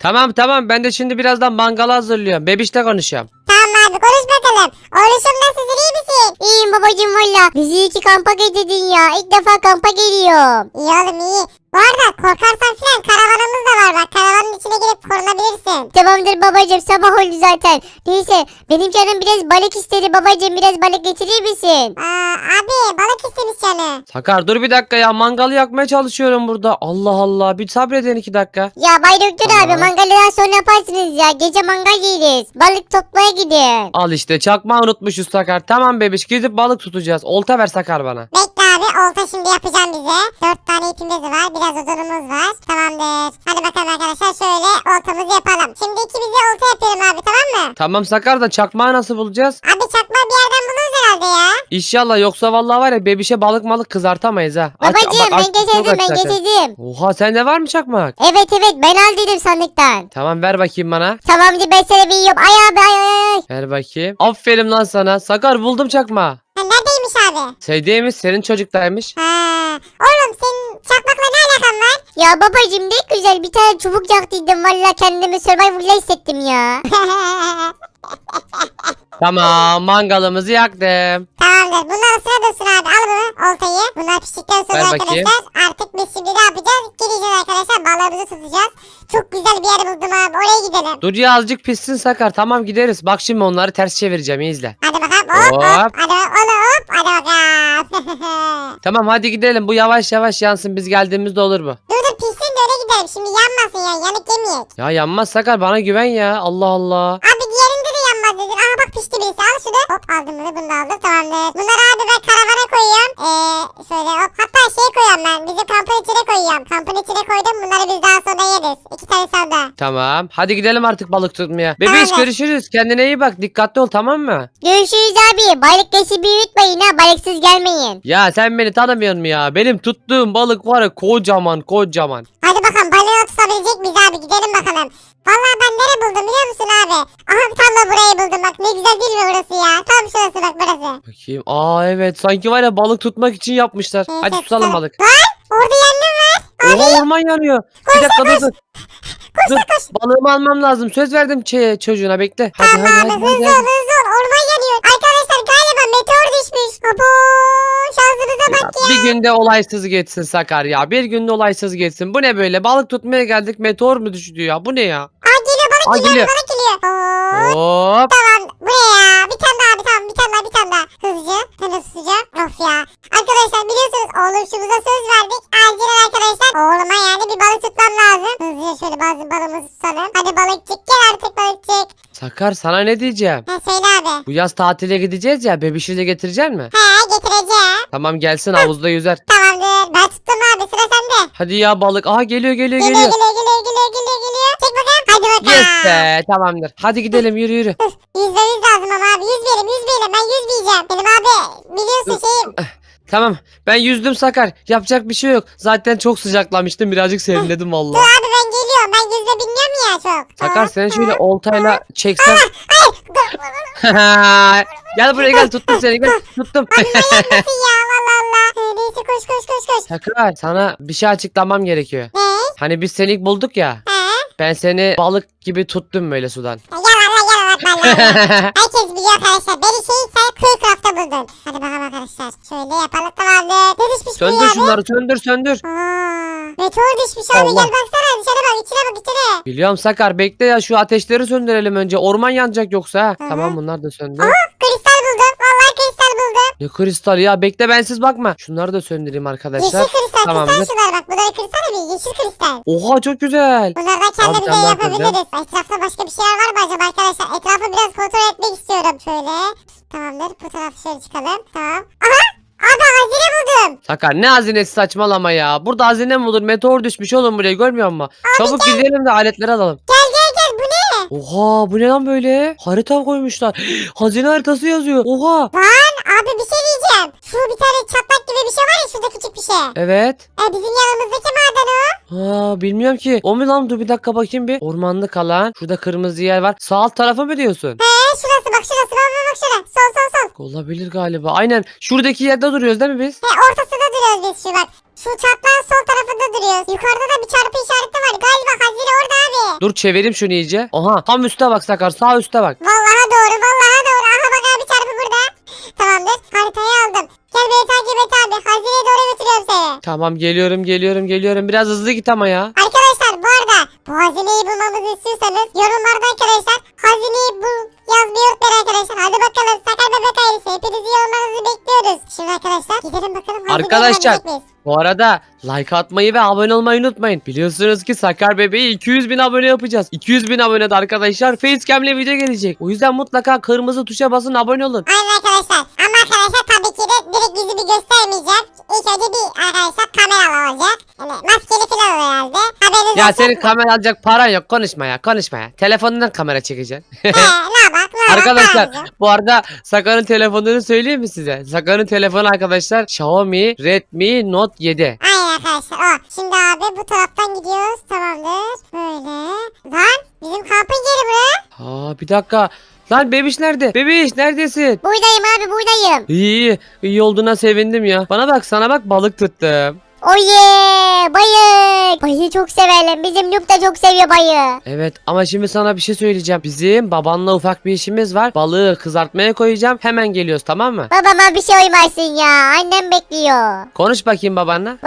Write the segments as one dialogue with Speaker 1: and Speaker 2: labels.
Speaker 1: Tamam tamam, ben de şimdi birazdan mangalı hazırlıyorum. Bebişle konuşuyorum.
Speaker 2: Tamam abi konuş bakalım. Oğluşum nasılsın, iyi misin? İyiyim babacığım valla. Bizi iyi ki kampa getirdin ya. İlk defa kampa geliyorum. İyi oğlum iyi. Bu arada korkarsan filan karavanımız da var bak. Karavanın içine girip korunabilirsin. Tamamdır babacığım, sabah oldu zaten. Neyse benim canım biraz balık istedi babacığım. Biraz balık getirir misin? Abi balık istemiş canı.
Speaker 1: Sakar dur bir dakika ya, mangalı yakmaya çalışıyorum burada. Allah Allah, bir sabredin 2 dakika.
Speaker 2: Ya Bay Doktor
Speaker 1: Tamam.
Speaker 2: abi mangaldan sonra yaparsınız ya. Gece mangal yeriz. Balık toplamaya gidin.
Speaker 1: Al işte, çakmağı unutmuşuz Sakar. Tamam bebiş, gidip balık tutacağız. Olta ver Sakar bana.
Speaker 2: Bekle abi, olta şimdi yapacağım bize. 4 tane ipimiz var, biraz odunumuz var. Tamamdır. Hadi bakalım arkadaşlar, şöyle oltamızı yapalım. Şimdi ikimize olta yapıyorum abi, tamam mı?
Speaker 1: Tamam Sakar, da çakmağı nasıl bulacağız?
Speaker 2: Abi çakma bir yerden buluruz herhalde ya.
Speaker 1: İnşallah, yoksa vallahi var ya, bebişe balık malık kızartamayız ha.
Speaker 2: Babacığım ben
Speaker 1: çok
Speaker 2: getirdim
Speaker 1: aç
Speaker 2: ben
Speaker 1: zaten.
Speaker 2: getirdim.
Speaker 1: Oha, sende var mı çakmak?
Speaker 2: Evet ben aldıydım sandıktan.
Speaker 1: Tamam, ver bakayım bana.
Speaker 2: Tamamdır, ben sana veriyorum. Ay abi ay.
Speaker 1: Ver bakayım. Aferin lan sana. Sakar, buldum çakmağı.
Speaker 2: Ha, neredeymiş abi?
Speaker 1: Sevdiğimiz senin çocuktaymış.
Speaker 2: Oğlum senin çakmakla ne alakan var? Ya babacığım ne güzel bir tane çubuk yaktıydım. Valla kendimi Survivor'la hissettim ya.
Speaker 1: Tamam, mangalımızı yaktım.
Speaker 2: Tamamdır. Bunlar sıra dursun abi. Al bunu, oltayı. Bunlar piştikten sonra
Speaker 1: Ver bakayım.
Speaker 2: arkadaşlar artık biz şimdi ne yapacağız? Gideceğiz arkadaşlar, balığımızı tutacağız. Çok güzel bir yer buldum abi. Oraya gidelim.
Speaker 1: Dur ya, azıcık pişsin Sakar. Tamam, gideriz. Bak şimdi onları ters çevireceğim, iyi izle.
Speaker 2: Hadi bakalım. Hop hop.
Speaker 1: Hop.
Speaker 2: Hadi hop. Hadi bakalım.
Speaker 1: Tamam hadi gidelim. Bu yavaş yavaş yansın. Biz geldiğimizde olur bu.
Speaker 2: Dur pişsin de öyle gidelim. Şimdi yanmasın ya. Yanık yemeyek.
Speaker 1: Ya yanmaz Sakar, bana güven ya. Allah Allah.
Speaker 2: Abi diğerinde de yanmaz dedin. Aha bak pişti birisi. Al şunu. Hop aldım bunu da aldım. Tamamdır. Bunları abi ben karavana koyuyorum. Şöyle hop. Hatta şey koyuyorum ben. Bizim kampın içine koyuyorum. Kampın içine koydum. Bunları biz daha sonra yeriz. 2 tane salda.
Speaker 1: Tamam. Hadi gidelim artık balık tutmaya. Bebeğiş,
Speaker 2: Tamam.
Speaker 1: görüşürüz. Kendine iyi bak. Dikkatli ol, tamam mı?
Speaker 2: Görüşürüz abi. Balık beşi büyütmeyin ha. Balıksız gelmeyin.
Speaker 1: Ya sen beni tanımıyorsun mu ya? Benim tuttuğum balık var ya, kocaman kocaman.
Speaker 2: Hadi bakalım balığı tutabilecek miyiz abi? Gidelim bakalım. Vallahi ben nere buldum biliyor musun abi? Aha tam da burayı buldum bak. Ne güzel değil mi burası ya? Tam şurası bak burası.
Speaker 1: Bakayım. Aa evet, sanki var ya, balık tutmak için yapmışlar.
Speaker 2: Neyse,
Speaker 1: Hadi tutalım balık.
Speaker 2: Lan orada yangın var.
Speaker 1: Oha, orman yanıyor. Bir dakika dur dur. Dur, balığımı almam lazım. Söz verdim çocuğuna, bekle. Hadi
Speaker 2: Tamam
Speaker 1: hadi
Speaker 2: abi
Speaker 1: hadi.
Speaker 2: hızlı ol hızlı ol. Orman yanıyor. Arkadaşlar galiba meteor düşmüş. Abo şansımıza bak ya.
Speaker 1: Bir günde olaysız geçsin Sakar ya. Bir günde olaysız geçsin. Bu ne böyle? Balık tutmaya geldik, meteor mu düştü ya? Bu ne ya?
Speaker 2: Aa geliyor balık
Speaker 1: Aa,
Speaker 2: geliyor,
Speaker 1: geliyor.
Speaker 2: balık geliyor.
Speaker 1: Hop.
Speaker 2: Tamam bu ne ya? Bir tane daha bir tane daha. Hızlıca. Hemen tutacağım. Of ya. Arkadaşlar biliyorsunuz oğluşumuza söz verdik. Acilen arkadaşlar oğluma yani bir balık tutmam lazım. Hızlıca şöyle bazı balığımızı tutalım. Hadi balıkçık gel artık balıkçık.
Speaker 1: Sakar, sana ne diyeceğim?
Speaker 2: Ha söyle abi.
Speaker 1: Bu yaz tatile gideceğiz ya. Bebişi de getirecek mi?
Speaker 2: He getireceğim.
Speaker 1: Tamam, gelsin havuzda yüzer.
Speaker 2: Tamamdır. Ben tuttum abi, sıra sende.
Speaker 1: Hadi ya balık. Aha, geliyor geliyor
Speaker 2: Geliyor
Speaker 1: geliyor.
Speaker 2: geliyor. Çek bakalım. Hadi bakalım.
Speaker 1: Yes be, tamamdır. Hadi gidelim, yürü yürü.
Speaker 2: %100 lazım ama abi. 100 verim. Ben 100 diyeceğim. Benim abi biliyorsun şeyim.
Speaker 1: Tamam, ben yüzdüm Sakar. Yapacak bir şey yok. Zaten çok sıcaklamıştım. Birazcık serinledim
Speaker 2: Dur
Speaker 1: vallahi.
Speaker 2: abi ben geliyorum. Ben yüzde bilmiyorum ya çok.
Speaker 1: Sakar, seni şöyle oltayla çeksem. Gel buraya, gel, tuttum seni, gel, tuttum.
Speaker 2: Nasıl ya Allah. Neyse koş.
Speaker 1: Sakar, sana bir şey açıklamam gerekiyor.
Speaker 2: Ne?
Speaker 1: Hani biz seni ilk bulduk ya.
Speaker 2: He?
Speaker 1: Ben seni balık gibi tuttum böyle sudan.
Speaker 2: Yalan. Herkes biliyor arkadaşlar. Beni sen Kuyucraft'ta buldun. Hadi bakalım arkadaşlar. Şöyle yapalım tamamdır. Ne düşmüş bu
Speaker 1: Söndür
Speaker 2: ya?
Speaker 1: şunları, söndür.
Speaker 2: Meteor düşmüş abi.
Speaker 1: Allah.
Speaker 2: Gel baksana dışarı bak. içine.
Speaker 1: Biliyorum Sakar, bekle ya, şu ateşleri söndürelim önce. Orman yanacak yoksa ha.
Speaker 2: Hı.
Speaker 1: Tamam, bunlar da söndü.
Speaker 2: Kristal buldum. Vallahi kristal buldum.
Speaker 1: Ne kristal ya, bekle, bensiz bakma. Şunları da söndüreyim arkadaşlar.
Speaker 2: Yeşil kristal.
Speaker 1: Tamamdır.
Speaker 2: Kristal şunlar bak. Bunları kristal mi? Yeşil kristal.
Speaker 1: Oha, çok güzel.
Speaker 2: Bunlardan
Speaker 1: Abi,
Speaker 2: kendimize
Speaker 1: sen ne
Speaker 2: yapabiliriz. Etrafta başka bir şeyler var mı acaba arkadaşlar? Etrafı biraz kontrol etmek istiyorum. Şöyle. Tamamdır. Bu tarafa şöyle çıkalım. Tamam. Aha! Abi hazine buldum.
Speaker 1: Sakar, ne hazinesi, saçmalama ya. Burada hazine mi olur? Meteor düşmüş oğlum buraya, görmüyor musun? Çabuk gidelim de aletleri alalım.
Speaker 2: Gel. Bu ne?
Speaker 1: Oha, bu ne lan böyle? Harita koymuşlar. Hazine haritası yazıyor. Oha.
Speaker 2: Lan abi bir şey diyeceğim. Şu bir tane çatlak gibi bir şey var ya, şurada küçük bir şey.
Speaker 1: Evet.
Speaker 2: Bizim yanımızdaki maden o.
Speaker 1: Ha, bilmiyorum ki. O mu lan? Dur bir dakika bakayım bir. Ormanlık alan. Şurada kırmızı yer var. Sağ alt tarafı mı diyorsun?
Speaker 2: Şurası bak bak şurada. Sol.
Speaker 1: Olabilir galiba. Aynen. Şuradaki yerde duruyoruz değil mi biz?
Speaker 2: Ortasında duruyoruz biz şu bak. Şu çatlağın sol tarafında duruyoruz. Yukarıda da bir çarpı işareti var. Galiba hazine orada abi.
Speaker 1: Dur çevireyim şunu iyice. Oha tam üste bak Sakar, sağ üste bak.
Speaker 2: Vallahi doğru vallahi doğru. Aha bak abi çarpı burada. Tamamdır haritayı aldım. Gel beni takip et abi. Hazineye doğru götürüyorum seni.
Speaker 1: Tamam geliyorum. Biraz hızlı git ama ya.
Speaker 2: Arkadaşlar bu arada bu hazineyi bulmamızı istiyorsanız yorumlarda arkadaşlar hazineyi bul yazmayı unutmayın arkadaşlar. Hadi bakalım Sakar Bebek ailesi hepinizi yorumlarınızı bekliyoruz. Şimdi arkadaşlar gidelim bakalım hazineyi
Speaker 1: Arkadaşlar
Speaker 2: bulabilecek miyiz?
Speaker 1: bu arada like atmayı ve abone olmayı unutmayın. Biliyorsunuz ki Sakar Bebeği 200.000 abone yapacağız. 200.000 abonede arkadaşlar facecam'le video gelecek. O yüzden mutlaka kırmızı tuşa basın, abone olun.
Speaker 2: Aynen arkadaşlar. Ama arkadaşlar tabii ki de direkt yüzümü göstermeyeceğim. İlk önce bir arkadaşlar kamera olacak. Yani maskeli falan olur herhalde. Haberiniz
Speaker 1: Ya
Speaker 2: olsun.
Speaker 1: senin kamera alacak paran yok, konuşma ya. Telefonundan kamera çekeceksin.
Speaker 2: Ne bak
Speaker 1: Arkadaşlar bu arada Sakar'ın telefonunu söyleyeyim mi size? Sakar'ın telefonu arkadaşlar Xiaomi Redmi Note 7.
Speaker 2: Aynen arkadaşlar o. Şimdi abi bu taraftan gidiyoruz. Tamamdır. Böyle. Lan bizim kampın yeri bu.
Speaker 1: Aa bir dakika. Lan bebiş nerede? Bebiş neredesin?
Speaker 2: Buradayım abi buradayım.
Speaker 1: İyi olduğuna sevindim ya. Bana bak, sana bak, balık tuttum.
Speaker 2: Oye bayık. Bayığı çok severim. Bizim Nup da çok seviyor bayığı.
Speaker 1: Evet ama şimdi sana bir şey söyleyeceğim. Bizim babanla ufak bir işimiz var. Balığı kızartmaya koyacağım. Hemen geliyoruz, tamam mı?
Speaker 2: Babama bir şey olmasın ya. Annem bekliyor.
Speaker 1: Konuş bakayım babanla.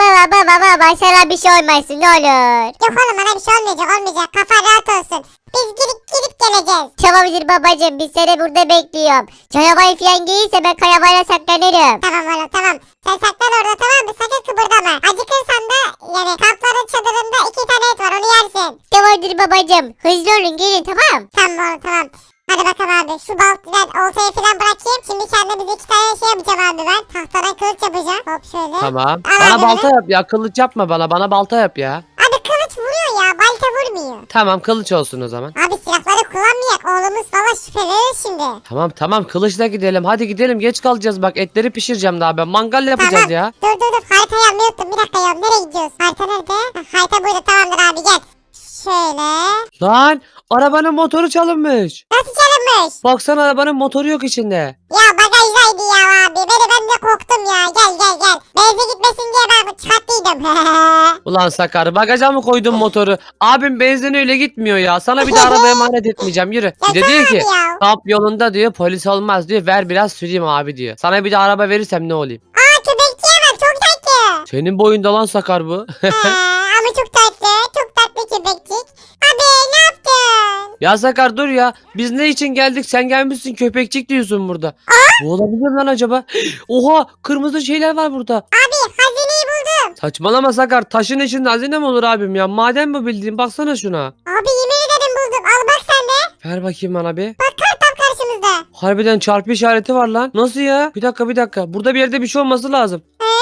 Speaker 2: Baba sana bir şey olmasın ne olur. Yok oğlum bana bir şey olmayacak. Kafa rahat olsun. Biz gidip geleceğiz. Tamamdır babacığım biz seni burada bekliyorum. Canavar falan gelirse ben kayabayla saklanırım. Tamam oğlum tamam. Sen saklan orada tamam mı? Sakın kıpırdama. Acıkırsan da yani kampların çadırında 2 tane et var onu yersin. Tamamdır babacığım. Hızlı olun gelin tamam. Tamam oğlum tamam. Hadi bakalım abi şu ben oltayı falan bırakayım. Şimdi kendimize 2 tane şey yapacağım abi ben. Tahtadan kılıç yapacağım. Hop şöyle.
Speaker 1: Tamam.
Speaker 2: Al
Speaker 1: Bana
Speaker 2: abi
Speaker 1: balta
Speaker 2: bunu.
Speaker 1: yap ya. Kılıç yapma bana. Bana balta yap ya.
Speaker 2: Abi kılıç vuruyor ya balta vurmuyor.
Speaker 1: Tamam kılıç olsun o zaman.
Speaker 2: Abi silahları kullanmayak oğlumuz valla şüphe verir şimdi.
Speaker 1: Tamam kılıçla gidelim. Hadi gidelim, geç kalacağız bak. Etleri pişireceğim daha ben. Mangal yapacağız ya.
Speaker 2: Dur haritayı almayı unuttum bir dakika ya nereye gidiyoruz? Harita nerede? Harita burada tamamdır abi gel. Şöyle.
Speaker 1: Lan arabanın motoru çalınmış.
Speaker 2: Nasıl çalınmış?
Speaker 1: Baksana arabanın motoru yok içinde.
Speaker 2: Ya bagajdaydı ya abi. Ben de korktum ya. Gel. Benzin gitmesin diye ben çıkarttıydım.
Speaker 1: Ulan Sakar, bagaja mı koydun motoru? Abim benzin öyle gitmiyor ya. Sana bir de araba emanet etmeyeceğim, yürü. Bir de diyor ki
Speaker 2: ya.
Speaker 1: kamp yolunda diyor polis olmaz diyor. Ver biraz süreyim abi diyor. Sana bir de araba verirsem ne olayım?
Speaker 2: Aa köpekçiye bak çok tatlı.
Speaker 1: Senin boyunda lan Sakar bu.
Speaker 2: Ama çok tatlı. Çok tatlı köpekçik. Abi ne yaptın?
Speaker 1: Ya Sakar dur ya. Biz ne için geldik? Sen gelmişsin köpekçik diyorsun burada. Bu olabilir lan acaba? Oha, kırmızı şeyler var burada.
Speaker 2: Abi hazineyi buldum.
Speaker 1: Saçmalama Sakar. Taşın içinde hazine mi olur abim ya? Maden mi bildiğin? Baksana şuna.
Speaker 2: Abi yemin ederim buldum. Al bak sen de.
Speaker 1: Ver bakayım bana bir.
Speaker 2: Bak tam karşımızda.
Speaker 1: Harbiden çarpı işareti var lan. Nasıl ya? Bir dakika. Burada bir yerde bir şey olması lazım.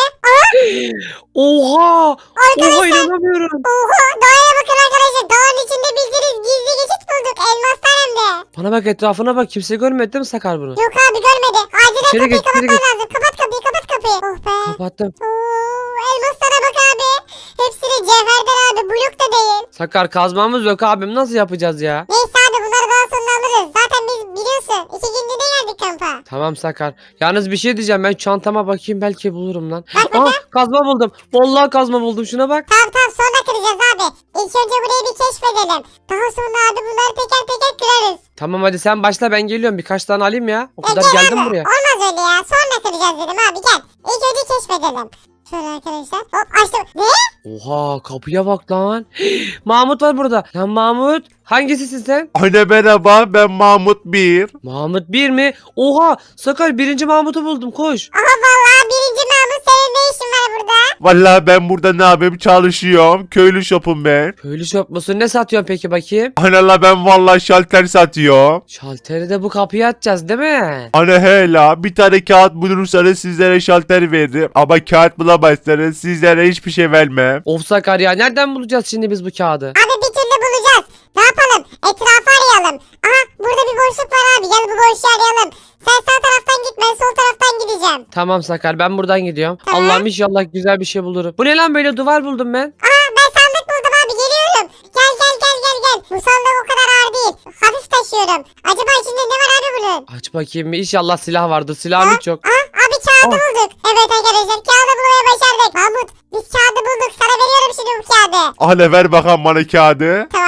Speaker 1: Oha! Oha inanamıyorum.
Speaker 2: Oha doğaya bakın arkadaşlar. Dağın içinde bildiğiniz gizli geçit bulduk. Elmaslar hem de.
Speaker 1: Bana bak, etrafına bak. Kimse görmedi değil mi Sakar bunu?
Speaker 2: Yok abi görmedi. Acilen
Speaker 1: İçeri
Speaker 2: kapıyı
Speaker 1: git, içeri
Speaker 2: kapatman lazım. Kapat kapıyı. Oh be.
Speaker 1: Kapattım.
Speaker 2: Oo, elmaslara bak abi. Hepsi de cevherden abi. Blok da değil.
Speaker 1: Sakar kazmamız yok abim. Nasıl yapacağız ya?
Speaker 2: Neyse abi bunları daha sonra alırız. Zaten biz biliyorsun 2 günde geldik kampa.
Speaker 1: Tamam Sakar. Yalnız bir şey diyeceğim. Ben çantama bakayım, belki bulurum lan.
Speaker 2: Bak
Speaker 1: Aa, kazma buldum. Vallahi kazma buldum. Şuna bak.
Speaker 2: Tamam sonra kıracağız abi. İlk önce burayı bir keşfedelim. Daha sonra abi bunları teker teker kırarız.
Speaker 1: Tamam hadi sen başla, ben geliyorum. Birkaç tane alayım ya. O kadar
Speaker 2: Gel
Speaker 1: geldim
Speaker 2: abi.
Speaker 1: buraya.
Speaker 2: Olmaz öyle ya. Sonra kıracağız dedim abi gel. İlk önce keşfedelim. Şöyle arkadaşlar. Hop açtım. Ne?
Speaker 1: Oha, kapıya bak lan. Mahmut var burada. Lan Mahmut, hangisisin sen?
Speaker 3: Anne merhaba ben Mahmut 1.
Speaker 1: Mahmut 1 mi? Oha, Sakar 1. Mahmut'u buldum, koş.
Speaker 2: Aha vallahi birinci Mahmut senin ne işin var burada?
Speaker 3: Vallahi ben burada ne yapayım çalışıyorum. Köylü şopum ben.
Speaker 1: Köylü şop musun? Ne satıyorsun peki bakayım?
Speaker 3: Anne ben vallahi şalter satıyorum.
Speaker 1: Şalteri de bu kapıya atacağız değil mi?
Speaker 3: Anne hele bir tane kağıt bulursanız sizlere şalter veririm. Ama kağıt bulamazsanız sizlere hiçbir şey vermem.
Speaker 1: Of Sakar ya, nereden bulacağız şimdi biz bu kağıdı?
Speaker 2: Abi bir türlü bulacağız. Ne yapalım? Etrafı arayalım. Aha burada bir boşluk var abi. Gel bu boşluğu arayalım. Sen sağ taraftan git ben sol taraftan gideceğim.
Speaker 1: Tamam Sakar, ben buradan gidiyorum.
Speaker 2: Tamam.
Speaker 1: Allah'ım inşallah güzel bir şey bulurum. Bu ne lan, böyle duvar buldum ben.
Speaker 2: Aha ben sandık buldum abi geliyorum. Gel. Bu sandık o kadar ağır değil. Hafif taşıyorum. Acaba içinde ne var abi bunun?
Speaker 1: Aç bakayım bir, inşallah silah vardı. Silahım hiç yok.
Speaker 2: Aha abi kağıdı bulduk. Evet arkadaşlar kağıdı bulmaya başardık. Mahmut biz kağıdı bulduk. Sana veriyorum şimdi bu kağıdı.
Speaker 3: Anne ver bakalım bana kağıdı.
Speaker 2: Tamam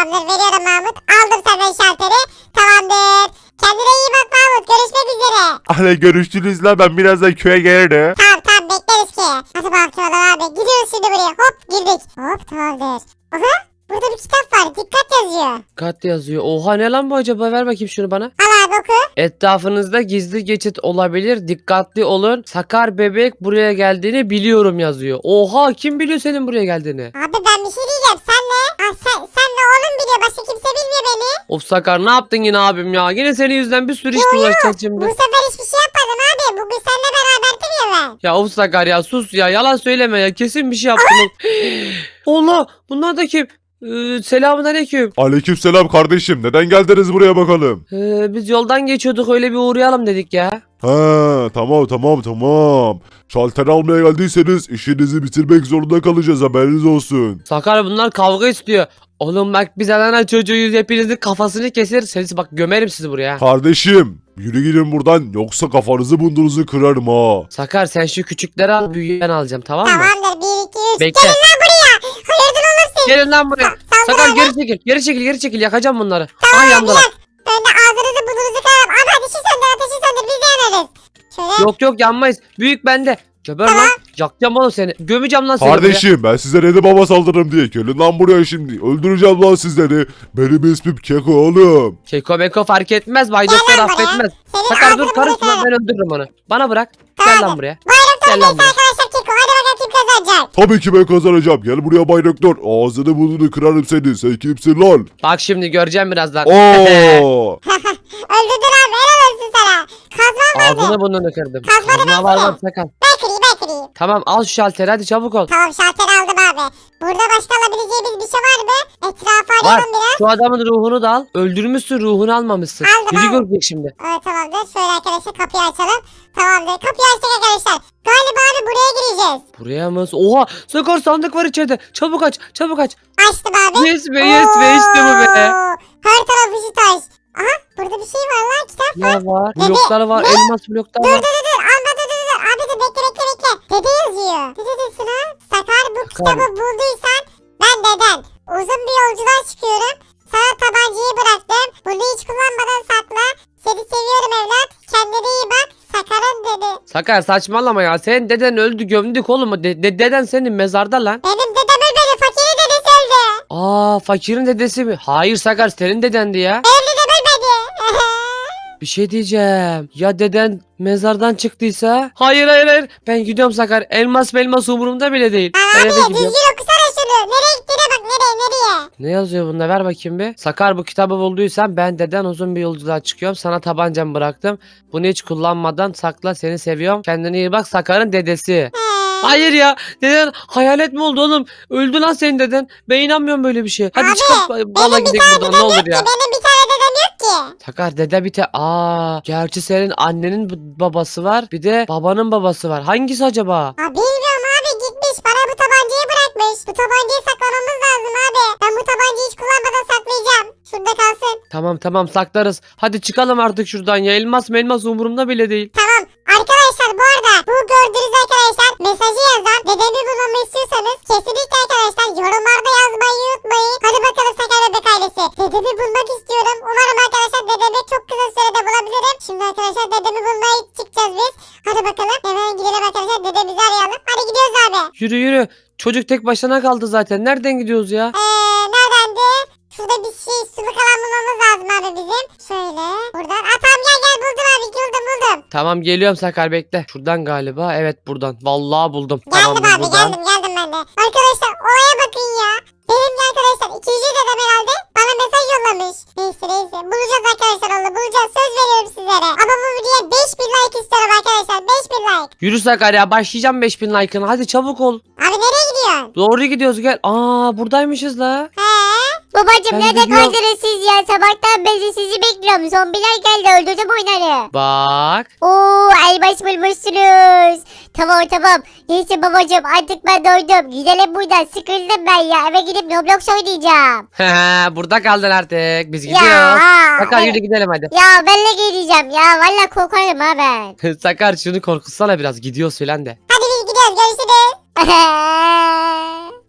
Speaker 2: Tamamdır veriyorum Mahmut. Aldım senden şalteri. Tamamdır. Kendine iyi bak Mahmut. Görüşmek üzere.
Speaker 3: Hadi görüşürüz la, ben birazdan köye gelirim.
Speaker 2: Tamam bekleriz ki. Hadi bakalım abi. Gidiyoruz şimdi buraya. Hop girdik. Hop tamamdır. Aha burada bir kitap var. Dikkat yazıyor.
Speaker 1: Kat yazıyor. Oha ne lan bu acaba? Ver bakayım şunu bana.
Speaker 2: Al abi oku.
Speaker 1: Etrafınızda gizli geçit olabilir. Dikkatli olun. Sakar bebek buraya geldiğini biliyorum yazıyor. Oha kim biliyor senin buraya geldiğini?
Speaker 2: Abi ben bir şey diyeceğim. Sen ne? Sen de oğlum biliyor. Başka kimse bilmiyor beni.
Speaker 1: Of Sakar ne yaptın yine abim ya? Yine senin yüzünden bir sürü iş uğraşacağız
Speaker 2: Bu
Speaker 1: şimdi.
Speaker 2: sefer hiçbir şey yapmadım abi. Bugün seninle beraberdim ya ben.
Speaker 1: Ya of Sakar ya sus ya. Yalan söyleme ya. Kesin bir şey yaptın. Allah bunlar da kim? Selamünaleyküm.
Speaker 3: Aleykümselam kardeşim, neden geldiniz buraya bakalım?
Speaker 1: Biz yoldan geçiyorduk öyle bir uğrayalım dedik ya.
Speaker 3: Ha tamam. Şalter almaya geldiyseniz işinizi bitirmek zorunda kalacağız, haberiniz olsun.
Speaker 1: Sakar bunlar kavga istiyor. Oğlum bak biz ana çocuğuyuz hepinizin kafasını keseriz. Seni bak gömerim sizi buraya.
Speaker 3: Kardeşim yürü gidin buradan, yoksa kafanızı bunduruzu kırarım ha.
Speaker 1: Sakar sen şu küçükleri al büyüğü ben alacağım tamam mı?
Speaker 2: Tamamdır. 1, 2, 3.
Speaker 1: Bekle.
Speaker 2: Gelin lan buraya. Hayırdır oğlum siz?
Speaker 1: Gelin lan buraya.
Speaker 2: Saldır
Speaker 1: Sakar
Speaker 2: abi.
Speaker 1: geri çekil yakacağım bunları.
Speaker 2: Tamam
Speaker 1: Ay
Speaker 2: abi
Speaker 1: yandılar.
Speaker 2: yak. Ben de ağzınızı burnunuzu kırarım. Abi ateşi söndür biz de yanarız. Şöyle.
Speaker 1: Yok yanmayız. Büyük bende. Geber
Speaker 2: Tamam.
Speaker 1: lan. Yakacağım oğlum seni. Gömeceğim lan seni buraya.
Speaker 3: Kardeşim ben size dedim baba saldırırım diye. Gelin lan buraya şimdi. Öldüreceğim lan sizleri. Benim ismim Keko oğlum.
Speaker 1: Keko beko fark etmez. Bay
Speaker 2: Gel
Speaker 1: Doktor
Speaker 2: lan buraya.
Speaker 1: affetmez.
Speaker 2: Senin
Speaker 1: Sakar dur
Speaker 2: ağzını
Speaker 1: karışma
Speaker 2: burnunu
Speaker 1: ben öldürürüm onu. Bana bırak.
Speaker 2: Tamam.
Speaker 1: Gel lan buraya.
Speaker 2: Bayram
Speaker 1: Gel lan
Speaker 2: torbası
Speaker 1: buraya.
Speaker 2: arkadaşlar Keko. Hadi bakalım kim kazanacak.
Speaker 3: Tabii ki ben kazanacağım. Gel buraya Bay Doktor. Ağzını burnunu kırarım seni. Sen kimsin lan?
Speaker 1: Bak şimdi göreceğim birazdan.
Speaker 3: Oo.
Speaker 2: Öldürdün abi helal olsun sana. Kazman vardı.
Speaker 1: Ağzını burnunu kırdım.
Speaker 2: Kazmanı
Speaker 1: Kazma var
Speaker 2: versene.
Speaker 1: var Sakar.
Speaker 2: Ben kırayım.
Speaker 1: Tamam al şu şalteri hadi çabuk ol.
Speaker 2: Tamam şalteri aldım abi. Burada başka alabileceğimiz bir şey var mı? Etrafı
Speaker 1: Var.
Speaker 2: arayalım biraz.
Speaker 1: Şu adamın ruhunu da al. Öldürmüşsün ruhunu almamışsın.
Speaker 2: Aldım,
Speaker 1: Biri
Speaker 2: aldım.
Speaker 1: görecek şimdi.
Speaker 2: Evet tamamdır. Şöyle arkadaşlar kapıyı açalım. Tamamdır. Kapıyı açtık arkadaşlar. Galiba abi buraya gireceğiz.
Speaker 1: Buraya mı? Oha Sakar sandık var içeride. Çabuk aç çabuk aç.
Speaker 2: Açtım abi.
Speaker 1: Yes be işte bu be.
Speaker 2: Oo, her taraf ışık taş. Aha burada bir şey var lan kitap var.
Speaker 1: Ne var?
Speaker 2: Dede,
Speaker 1: Bloklar var.
Speaker 2: ne?
Speaker 1: Elmas bloklar
Speaker 2: Dur
Speaker 1: var.
Speaker 2: alma dur. Abi dur bekle. Dede yazıyor. Ne diyorsun ha? Sakar bu kitabı bulduysan ben deden. Uzun bir yolculuğa çıkıyorum. Sana tabancayı bıraktım. Bunu hiç kullanmadan sakla. Seni seviyorum evlat. Kendine iyi bak. Sakar'ın dedi.
Speaker 1: Sakar saçmalama ya. Senin deden öldü gömdük oğlum. Deden senin mezarda lan.
Speaker 2: Benim dedem ölmedi. Fakirin dedesi öldü.
Speaker 1: Aa fakirin dedesi mi? Hayır Sakar senin dedendi ya.
Speaker 2: Benim dedem ölmedi.
Speaker 1: Bir şey diyeceğim. Ya deden mezardan çıktıysa? Hayır. Ben gidiyorum Sakar. Elmas umurumda bile değil. Ben
Speaker 2: Abi
Speaker 1: eve
Speaker 2: düzgün
Speaker 1: gidiyorum.
Speaker 2: okusana şunu. Nereye gittiğine bak nereye.
Speaker 1: Ne yazıyor bunda? Ver bakayım bir. Sakar bu kitabı bulduysan ben deden uzun bir yolculuğa çıkıyorum. Sana tabancamı bıraktım. Bunu hiç kullanmadan sakla seni seviyorum. Kendine iyi bak Sakar'ın dedesi.
Speaker 2: He.
Speaker 1: Hayır ya. Deden hayalet mi oldu oğlum? Öldü lan senin deden. Ben inanmıyorum böyle bir şey. Hadi
Speaker 2: Abi,
Speaker 1: çıkıp valla
Speaker 2: Benim bir
Speaker 1: gidelim
Speaker 2: tane
Speaker 1: buradan
Speaker 2: dedem
Speaker 1: ne olur
Speaker 2: yok ki.
Speaker 1: ya.
Speaker 2: Benim bir tane dedem yok ki.
Speaker 1: Sakar dede bir gerçi senin annenin babası var. Bir de babanın babası var. Hangisi acaba?
Speaker 2: Aa, bilmiyorum abi gitmiş. Bana bu tabancayı bırakmış. Bu tabancayı saklamamız lazım abi. Ben bu tabancayı hiç kullanmadan saklayacağım. Şurada kalsın.
Speaker 1: Tamam saklarız. Hadi çıkalım artık şuradan ya. Elmas umurumda bile değil.
Speaker 2: Tamam. Arkadaşlar bu arada bu gördüğünüz arkadaşlar mesajı yazan dedemi bulmamı istiyorsanız kesinlikle arkadaşlar yorumlarda yazmayı unutmayın. Hadi bakalım Sakar Bebek ailesi. Dedemi bulmak istiyorum. Umarım arkadaşlar dedemi çok kısa sürede bulabilirim. Şimdi arkadaşlar dedemi bulmaya çıkacağız biz. Hadi bakalım hemen gidelim arkadaşlar dedemizi arayalım. Hadi gidiyoruz abi.
Speaker 1: Yürü. Çocuk tek başına kaldı zaten. Nereden gidiyoruz ya?
Speaker 2: Neredendi? Şurada bir şey suluk alan bulmamız lazım abi bizim. Şöyle buradan. Tamam gel buldum abi buldum.
Speaker 1: Tamam geliyorum Sakar bekle. Şuradan galiba. Evet buradan. Vallahi buldum.
Speaker 2: Geldim
Speaker 1: Tamamdır
Speaker 2: abi
Speaker 1: buradan.
Speaker 2: geldim ben de. Arkadaşlar olaya bakın ya. Benim de arkadaşlar ikinci dedem herhalde bana mesaj yollamış. Neyse bulacağız arkadaşlar onu bulacağız söz veriyorum sizlere. Ama bu videoya 5000 like istiyorum arkadaşlar 5000 like.
Speaker 1: Yürü Sakar ya. Başlayacağım 5000 like'ını. Hadi çabuk ol.
Speaker 2: Abi nereye gidiyorsun?
Speaker 1: Doğru gidiyoruz gel. Buradaymışız la.
Speaker 2: He?
Speaker 4: Babacım
Speaker 1: Ben
Speaker 4: nerede
Speaker 1: gidiyorum.
Speaker 4: kaldınız siz ya? Sabahtan beri sizi bekliyorum. Zombiler geldi öldürdüm onları.
Speaker 1: Bak.
Speaker 4: Oo elmas bulmuşsunuz. Tamam. Neyse babacım artık ben doydum. Gidelim buradan sıkıldım ben ya. Eve gidip Roblox oynayacağım.
Speaker 1: Burada kaldın artık. Biz
Speaker 4: Ya.
Speaker 1: gidiyoruz. Sakar yürü gidelim hadi.
Speaker 4: Ya benle geleceğim ya. Valla korkarım ha ben.
Speaker 1: Sakar şunu korkutsana biraz. Gidiyoruz filan de.
Speaker 2: Hadi biz gidiyoruz görüşürüz.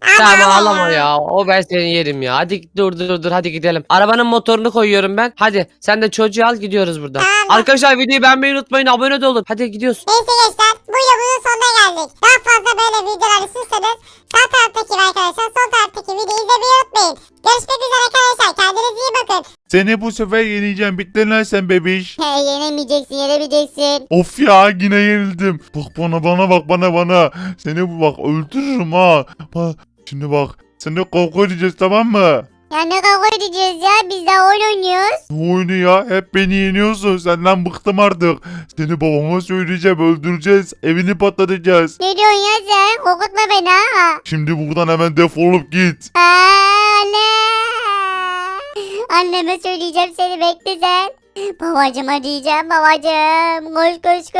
Speaker 1: Tamam ağlama ya. O ben seni yerim ya. Hadi dur hadi gidelim. Arabanın motorunu koyuyorum ben. Hadi sen de çocuğu al gidiyoruz buradan.
Speaker 2: Tamam.
Speaker 1: Arkadaşlar videoyu beğenmeyi unutmayın. Abone de olun. Hadi gidiyoruz.
Speaker 2: Neyse gençler bu videomuzun sonuna geldik. Daha fazla böyle videolar istiyorsanız sağ taraftaki ve arkadaşlar sol taraftaki videoyu izlemeyi unutmayın. Görüşmek üzere arkadaşlar. Kendinize iyi bakın.
Speaker 3: Seni bu sefer yeneceğim. Bittin lan sen bebiş.
Speaker 4: He, yenemeyeceksin.
Speaker 3: Of ya yine yenildim. Bak bana bak bana. Seni bak öldürürüm ha. Bak şimdi bak. Seni kavga edeceğiz tamam mı?
Speaker 4: Ya ne kavga edeceğiz ya? Biz daha oyun oynuyoruz.
Speaker 3: Ne oyunu ya? Hep beni yeniyorsun. Senden bıktım artık. Seni babama söyleyeceğim. Öldüreceğiz. Evini patlatacağız.
Speaker 4: Ne diyorsun ya sen? Korkutma beni ha.
Speaker 3: Şimdi buradan hemen defolup git.
Speaker 4: Anne. Anneme söyleyeceğim seni bekle sen. Babacıma diyeceğim babacım. Koş.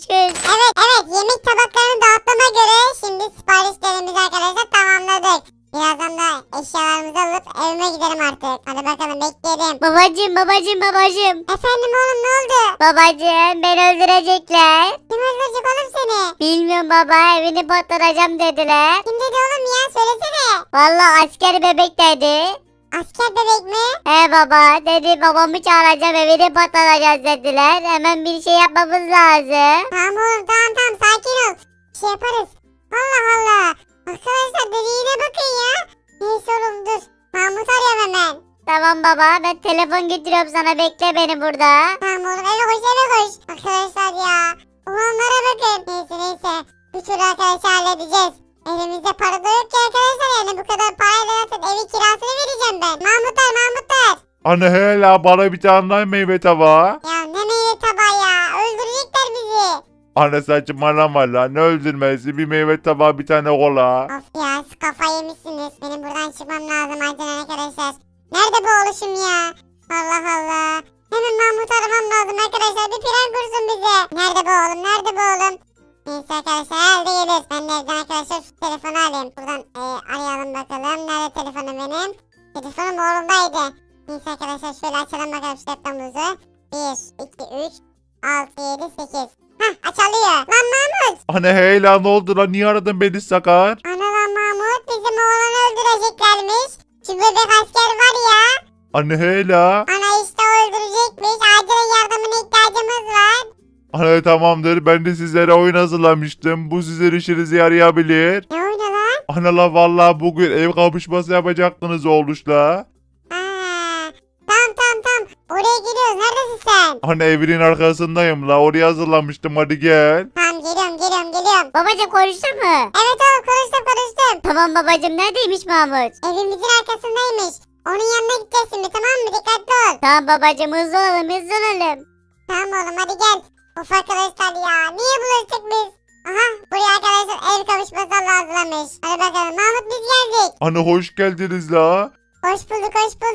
Speaker 2: Evet yemek tabaklarını dağıttığıma göre şimdi siparişlerimizi arkadaşlar tamamladık. Birazdan da eşyalarımızı alıp evime gidelim artık. Hadi bakalım bekleyelim.
Speaker 4: Babacım.
Speaker 2: Efendim oğlum ne oldu?
Speaker 4: Babacım beni öldürecekler.
Speaker 2: Kim öldürecek oğlum seni?
Speaker 4: Bilmiyorum baba evini patlatacağım dediler.
Speaker 2: Kim dedi oğlum ya söylesene.
Speaker 4: Vallahi asker bebek dedi.
Speaker 2: Asker bebek mi?
Speaker 4: He baba dedi babamı çağıracağım evini patlatacağız dediler. Hemen bir şey yapmamız lazım.
Speaker 2: Tamam oğlum tamam sakin ol. Bir şey yaparız. Allah. Arkadaşlar dediğine bakın ya. Neyse oğlum dur. Mahmut arıyorum hemen.
Speaker 4: Tamam baba ben telefon getiriyorum sana bekle beni burada.
Speaker 2: Tamam oğlum eve koş. Arkadaşlar ya. Olanlara bakın. Neyse. Bir türlü arkadaşlar halledeceğiz. Elimizde para da yok ki arkadaşlar yani bu kadar parayla zaten evin kirasını vereceğim ben. Mahmutlar.
Speaker 3: Anne hala bana bir tane daha meyve tabağı.
Speaker 2: Ya ne meyve tabağı ya. Öldürecekler bizi.
Speaker 3: Anne saçmalama lan. Ne öldürmesi? Bir meyve tabağı bir tane kola.
Speaker 2: Of ya siz kafayı yemişsiniz. Benim buradan çıkmam lazım acilen arkadaşlar. Nerede bu oluşum ya? Allah. Hemen Mahmut aramam lazım arkadaşlar. Bir plan kursun bize. Nerede bu oğlum? Neyse arkadaşlar herhalde gelir. Ben de evden arkadaşlar şu telefonu alayım. Buradan arayalım bakalım. Nerede telefonum benim? Telefonum oğlumdaydı. Neyse arkadaşlar şöyle açalım bakalım şu laptopumuzu. 1, 2, 3, 6, 7, 8. Hah açılıyor. Lan Mahmut.
Speaker 3: Anne hala ne oldu lan? Niye aradın beni Sakar?
Speaker 2: Ana lan Mahmut bizim oğlanı öldüreceklermiş. Şu bebek asker var ya.
Speaker 3: Anne hala.
Speaker 2: Ana işte öldürecekmiş. Acilen yardımına ihtiyacımız var.
Speaker 3: Anne tamamdır. Ben de sizlere oyun hazırlamıştım. Bu sizin işinize yarayabilir.
Speaker 2: Ne oyunu lan?
Speaker 3: Anne la vallahi bugün ev kapışması yapacaktınız oğluşla.
Speaker 2: Tamam. Oraya geliyoruz. Neredesin sen?
Speaker 3: Anne evinin arkasındayım la. Oraya hazırlamıştım. Hadi gel.
Speaker 2: Tamam geliyorum.
Speaker 4: Babacım konuştun mu?
Speaker 2: Evet oğlum konuştum.
Speaker 4: Tamam babacım neredeymiş Mahmut?
Speaker 2: Evimizin arkasındaymış. Onun yanına gideceğiz şimdi tamam mı? Dikkatli ol.
Speaker 4: Tamam babacım hızlı olalım.
Speaker 2: Tamam oğlum hadi gel. Of arkadaşlar ya. Niye bulaştık biz? Aha buraya arkadaşlar ev kavuşması hazırlamış. Hadi bakalım Mahmut biz geldik.
Speaker 3: Anne hoş geldiniz la.
Speaker 2: Hoş bulduk.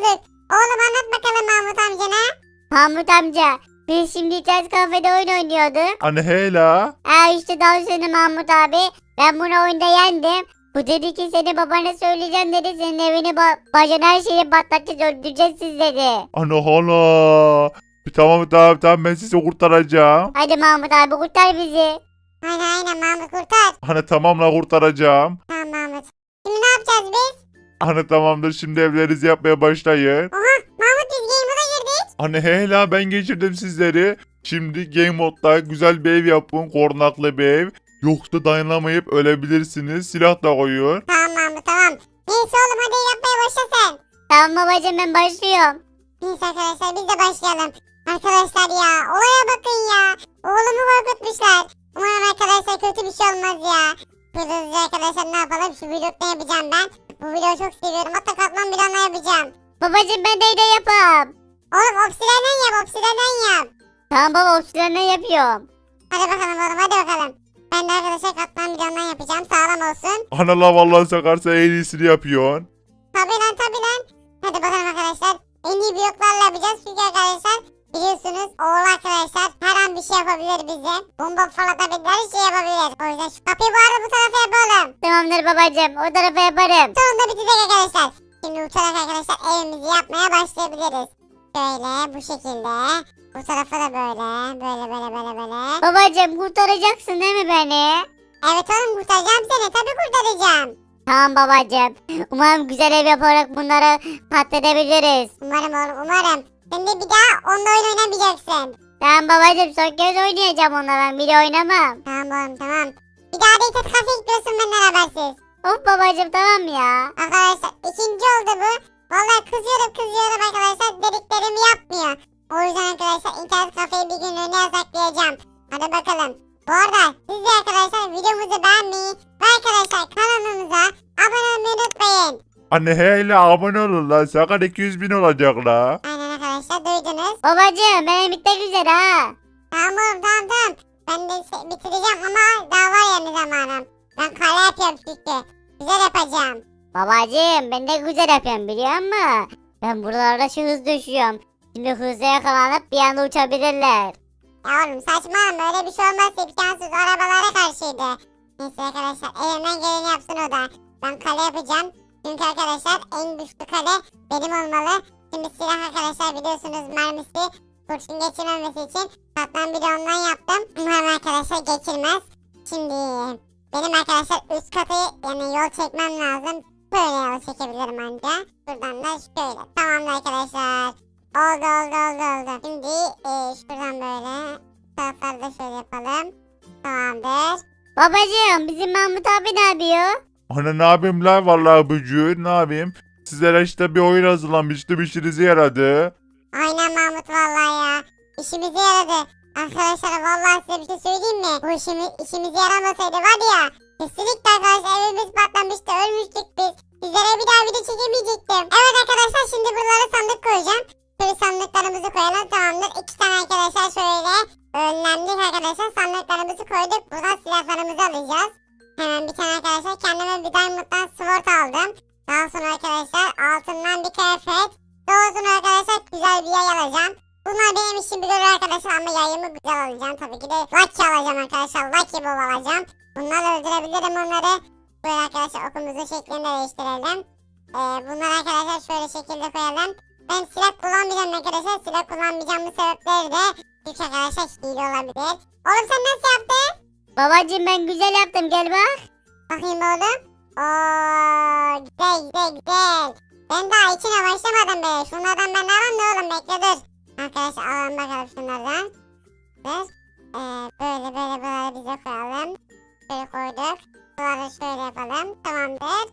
Speaker 2: Oğlum anlat bakalım Mahmut amcana.
Speaker 4: Mahmut amca biz şimdi internet kafede oyun oynuyorduk.
Speaker 3: Anne hala.
Speaker 4: İşte daha sonra Mahmut abi ben bunu oyunda yendim. Bu dedi ki seni babana söyleyeceğim dedi. Senin evini bacana her şeyi patlatacağız öldüreceğiz siz dedi.
Speaker 3: Anne hala. Tamam ben sizi kurtaracağım.
Speaker 4: Hadi Mahmut abi kurtar bizi.
Speaker 2: Aynen Mahmut kurtar.
Speaker 3: Anne tamam la kurtaracağım.
Speaker 2: Tamam Mahmut. Şimdi ne yapacağız biz?
Speaker 3: Anne tamamdır şimdi evlerinizi yapmaya başlayın.
Speaker 2: Mahmut biz game moda girdik.
Speaker 3: Anne hala ben geçirdim sizleri. Şimdi game modda güzel bir ev yapın. Korunaklı bir ev. Yoksa dayanamayıp ölebilirsiniz. Silah da koyun.
Speaker 2: Tamam Mahmut tamam. Neyse oğlum hadi yapmaya başla sen.
Speaker 4: Tamam babacım ben başlıyorum.
Speaker 2: Neyse arkadaşlar biz de başlayalım. Arkadaşlar ya olaya bakın ya. Oğlumu korkutmuşlar. Umarım arkadaşlar kötü bir şey olmaz ya. Hızlıca arkadaşlar ne yapalım şu vlogda yapacağım ben. Bu videoyu çok seviyorum hatta katman planla yapacağım.
Speaker 4: Babacım ben de yapam.
Speaker 2: Oğlum obsidenden yap.
Speaker 4: Tamam baba obsidiyenden yapıyorum.
Speaker 2: Hadi bakalım oğlum hadi bakalım. Ben de arkadaşlar katman planla yapacağım sağlam olsun.
Speaker 3: Anne la vallahi Sakarsa en iyisini yapıyorsun.
Speaker 2: Tabi lan. Hadi bakalım arkadaşlar. En iyi bloklarla yapacağız çünkü arkadaşlar biliyorsunuz oğul arkadaşlar her an bir şey yapabilir bize. Bomba fırlatabilir her şey yapabilir. O yüzden şu kapıyı bu arada bu tarafa yapalım.
Speaker 4: Tamamdır babacım o tarafa yaparım.
Speaker 2: Sonunda bitecek arkadaşlar. Şimdi uçarak arkadaşlar evimizi yapmaya başlayabiliriz. Böyle bu şekilde. Bu tarafa da böyle.
Speaker 4: Babacım kurtaracaksın değil mi beni?
Speaker 2: Evet oğlum kurtaracağım seni tabi kurtaracağım.
Speaker 4: Tamam babacım. Umarım güzel ev yaparak bunları patlatabiliriz.
Speaker 2: Umarım oğlum umarım. Sen de bir daha onunla oyun oynamayacaksın.
Speaker 4: Tamam babacım son kez oynayacağım onunla ben bir de oynamam.
Speaker 2: Tamam oğlum tamam. Bir daha da internet kafeye gidiyorsun benden habersiz.
Speaker 4: Of babacım tamam ya.
Speaker 2: Arkadaşlar ikinci oldu bu. Vallahi kızıyorum arkadaşlar. Dediklerimi yapmıyor. O yüzden arkadaşlar internet kafeyi bir günlüğüne yasaklayacağım. Hadi bakalım. Bu arada siz de arkadaşlar videomuzu beğenmeyi ve arkadaşlar kanalımıza abone olmayı unutmayın.
Speaker 3: Anne hele abone olun lan. Sakar 200.000 olacak la.
Speaker 2: Aynen arkadaşlar duydunuz.
Speaker 4: Babacım benim bitmek üzere ha.
Speaker 2: Tamam oğlum tamam. Ben de bitireceğim ama daha var yani zamanım. Ben kale yapıyorum çünkü. Güzel yapacağım.
Speaker 4: Babacım ben de güzel yapıyorum biliyor musun? Ben buralarda şu hız düşüyorum. Şimdi hızla yakalanıp bir anda uçabilirler.
Speaker 2: Ya oğlum saçmalama öyle bir şey olmaz imkansız arabalara karşıydı. Neyse arkadaşlar elimden geleni yapsın o da. Ben kale yapacağım. Çünkü arkadaşlar en güçlü kale benim olmalı. Şimdi silah arkadaşlar biliyorsunuz mermisi kurşun geçirmemesi için katman bir de ondan yaptım. Umarım arkadaşlar geçirmez. Şimdi benim arkadaşlar üst katı yani yol çekmem lazım. Böyle yol çekebilirim anca. Buradan da şöyle. Tamamdır arkadaşlar. Oldu. Şimdi şuradan böyle tarafları da şöyle yapalım. Tamamdır.
Speaker 4: Babacım bizim Mahmut abi ne yapıyor?
Speaker 3: Anne ne yapayım la vallahi bücür ne yapayım? Sizlere işte bir oyun hazırlamıştım işinize yaradı.
Speaker 2: Aynen Mahmut vallahi ya. İşimize yaradı. Arkadaşlar vallahi size bir şey söyleyeyim mi? Bu işimize yaramasaydı var ya. Kesinlikle arkadaşlar evimiz patlamıştı. Ölmüştük biz. Sizlere bir daha video çekemeyecektim. Evet arkadaşlar şimdi buralara sandık koyacağım. Şöyle sandıklarımızı koyalım tamamdır. 2 tane arkadaşlar şöyle önlemlik arkadaşlar sandıklarımızı koyduk. Buradan silahlarımızı alacağız. Hemen bir tane arkadaşlar kendime bir diamond'dan sword aldım. Daha sonra arkadaşlar altından bir kıyafet. Daha sonra arkadaşlar güzel bir yay alacağım. Bunlar benim işim bir görür arkadaşlar ama yayımı güzel alacağım. Tabii ki de lucky alacağım arkadaşlar. Lucky bol alacağım. Bunlarla öldürebilirim onları. Böyle arkadaşlar okumuzun şeklini değiştirelim. Bunları arkadaşlar şöyle şekilde koyalım. Ben silah kullanmayacağım arkadaşlar. Silah kullanmayacağımın sebepleri de çünkü arkadaşlar hile olabilir. Oğlum sen nasıl yaptın?
Speaker 4: Babacım ben güzel yaptım gel bak.
Speaker 2: Bakayım oğlum. Ooo güzel. Ben daha içine başlamadım be. Şunlardan ben alalım da oğlum bekle dur. Arkadaşlar alalım bakalım şunlardan. Dur. Böyle buraları bize koyalım. Şöyle koyduk. Buraları şöyle yapalım. Tamamdır.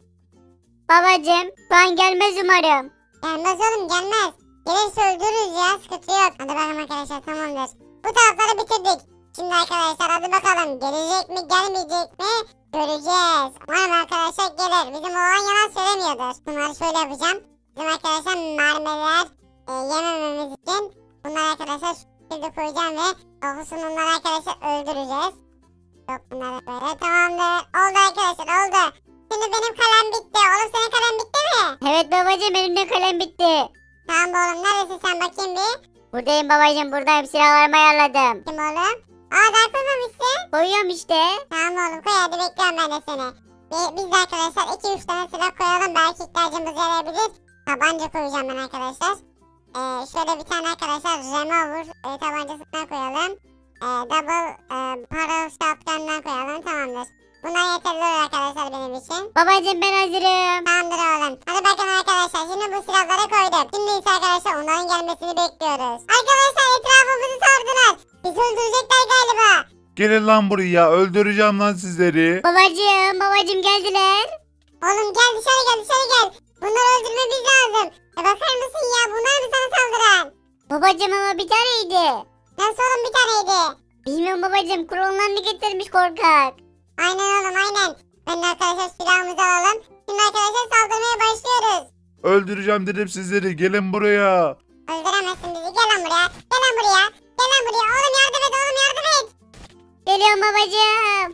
Speaker 4: Babacım şu an gelmez umarım.
Speaker 2: Gelmez oğlum gelmez. Gelirse öldürürüz ya sıkıntı yok. Hadi bakalım arkadaşlar tamamdır. Bu tarafları bitirdik. Şimdi arkadaşlar hadi bakalım gelecek mi gelmeyecek mi göreceğiz. Umarım arkadaşlar gelir. Bizim oğlan yalan söylemiyordur. Bunları şöyle yapacağım. Bizim arkadaşlar mermiler yemememiz için bunları arkadaşlar şu şekilde koyacağım ve kokusunu onları arkadaşlar öldüreceğiz. Yok bunları böyle tamamdır. Oldu arkadaşlar oldu. Şimdi benim kalem bitti. Oğlum senin kalem bitti mi?
Speaker 4: Evet babacım benim de kalem bitti.
Speaker 2: Tamam oğlum neredesin sen bakayım bir.
Speaker 4: Buradayım babacım buradayım silahlarımı ayarladım.
Speaker 2: Kim oğlum? Aa daha koymamışsın.
Speaker 4: Koyuyorum işte.
Speaker 2: Tamam oğlum koy hadi bekliyorum ben de seni. Biz de arkadaşlar 2-3 tane silah koyalım belki ihtiyacımız yarayabilir. Tabanca koyacağım ben arkadaşlar. Şöyle bir tane arkadaşlar revolver tabancasından koyalım. Double barrel shotgun'dan koyalım tamamdır. Bunlar yeterli olur arkadaşlar benim için.
Speaker 4: Babacım ben hazırım.
Speaker 2: Tamamdır oğlum. Hadi bakın arkadaşlar şimdi bu silahları koydum. Şimdi ise arkadaşlar onların gelmesini bekliyoruz. Arkadaşlar etrafımızı sardılar. Bizi öldürecekler galiba.
Speaker 3: Gelin lan buraya öldüreceğim lan sizleri.
Speaker 4: Babacım geldiler.
Speaker 2: Oğlum gel dışarı gel. Bunları öldürmemiz lazım. Bakar mısın ya bunlar mı sana saldıran?
Speaker 4: Babacım ama bir taneydi.
Speaker 2: Nasıl oğlum bir taneydi?
Speaker 4: Bilmiyorum babacım klonlarını getirmiş korkak.
Speaker 2: Aynen oğlum aynen. Ben de arkadaşlar silahımızı alalım. Şimdi arkadaşlar saldırmaya başlıyoruz.
Speaker 3: Öldüreceğim dedim sizleri gelin buraya.
Speaker 2: Öldüremezsin bizi gel lan buraya. Gel lan buraya. Oğlum yardım et.
Speaker 4: Geliyorum babacım.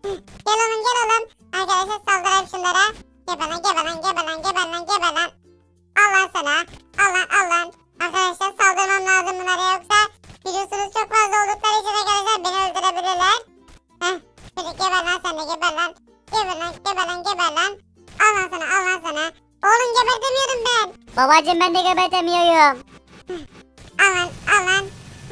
Speaker 2: Gel oğlum. Arkadaşlar saldıralım şunlara. Geber lan. Al lan sana. Al lan. Arkadaşlar saldırmam lazım bunlara yoksa biliyorsunuz çok fazla oldukları için arkadaşlar beni öldürebilirler. Şöyle geber lan sen de geber lan. Al lan sana. Oğlum gebertemiyorum ben.
Speaker 4: Babacım ben de gebertemiyorum.
Speaker 2: Al lan.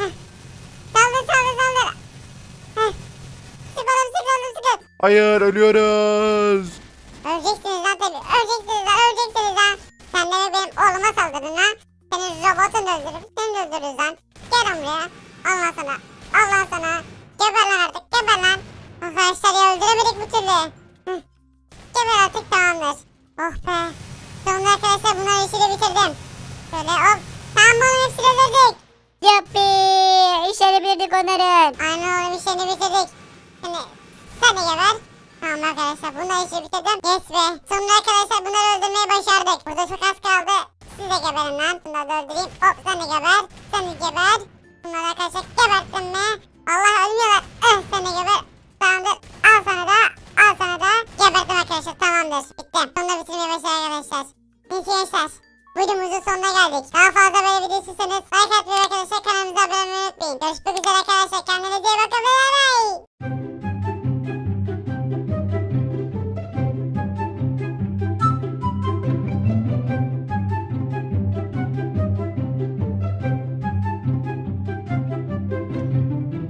Speaker 2: Saldır. Sık oğlum.
Speaker 3: Hayır ölüyoruz.
Speaker 2: Öleceksiniz lan tabii. Öleceksiniz lan. Öleceksiniz lan. Sen de benim oğluma saldırdın lan. Senin robotun öldürür. Seni de öldürürüz lan. Gel buraya. Allah sana. Allah sana. Geber lan artık. Geber lan. Arkadaşlar ya öldüremedik bir türlü. Hıh. Geber artık tamamdır. Oh be. Sonunda arkadaşlar bunların işini bitirdim. Şöyle hop. Tamam bunun hepsini öldürdük.
Speaker 4: Yuppi. İşleri bildik onların.
Speaker 2: Aynen oğlum işini bitirdik. Şimdi sen de geber. Tamam arkadaşlar bunları işi bitirdim. Yes be. Sonunda arkadaşlar bunları öldürmeyi başardık. Burada çok az kaldı. Siz de geberin lan. Bunları da öldüreyim. Hop sen de geber. Sen de geber. Bunları arkadaşlar geberttim mi? Allah ölmüyorlar. Sen de geber. Tamamdır. Al sana da. Al sana da. Geberttim arkadaşlar. Tamamdır. Bitti. Sonunda bitirmeyi başardık arkadaşlar. Neyse gençler. Videomuzun sonuna geldik. Daha fazla böyle video istiyorsanız like atmayı ve arkadaşlar kanalımıza abone olmayı unutmayın. Görüşmek üzere arkadaşlar. Kendinize iyi bakın. Bye bye.